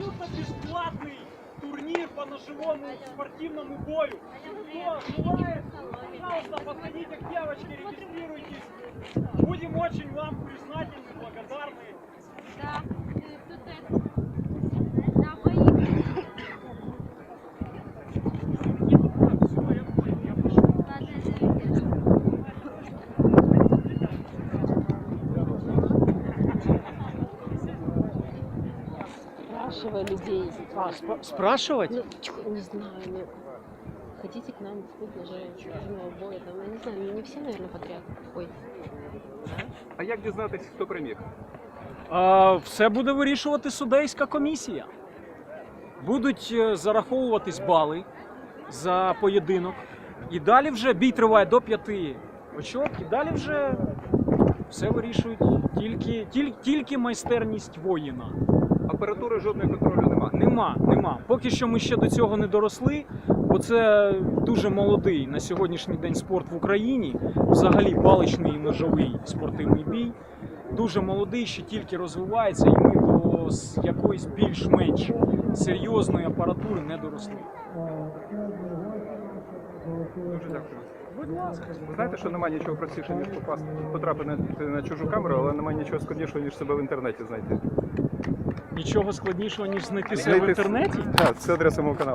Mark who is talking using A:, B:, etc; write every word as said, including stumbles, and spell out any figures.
A: абсолютно бесплатный турнир по ножевому спортивному бою. Кто желает, пожалуйста, подходите к девочке, регистрируйтесь. Будем очень вам признательны, благодарны.
B: Да, э, тут это, на бои.
A: Все, я понял, я пошел.
B: Ладно, это
C: Спрашивай людей.
A: А, спра- спрашивать?
C: Ну, тьфу, не знаю, ну, хотите к нам в клуб ножевого боя, там, я не знаю, ну, не все, наверное, подряд. Ой,
D: А як дізнатися, хто переміг?
A: А, все буде вирішувати судейська комісія. Будуть е, зараховуватись бали за поєдинок. І далі вже бій триває до п'яти очок. І далі вже все вирішують тільки, тільки, тільки майстерність воїна.
D: Апаратури жодної контролю нема.
A: Нема, нема. Поки що ми ще до цього не доросли, бо це дуже молодий на сьогоднішній день спорт в Україні. Взагалі паличний і ножовий спортивний бій. Дуже молодий, ще тільки розвивається, і ми до с- якоїсь більш-менш серйозної апаратури не доросли.
D: Дуже дякую.
A: Будь ласка.
D: Ви знаєте, що немає нічого простіше, ніж попасти, потрапити на, на чужу камеру, але немає нічого складнішого, ніж себе в інтернеті знайти.
A: Нічого складнішого, ніж знайти себе в
D: Знайти-
A: інтернеті?
D: Так, це адреса мого каналу.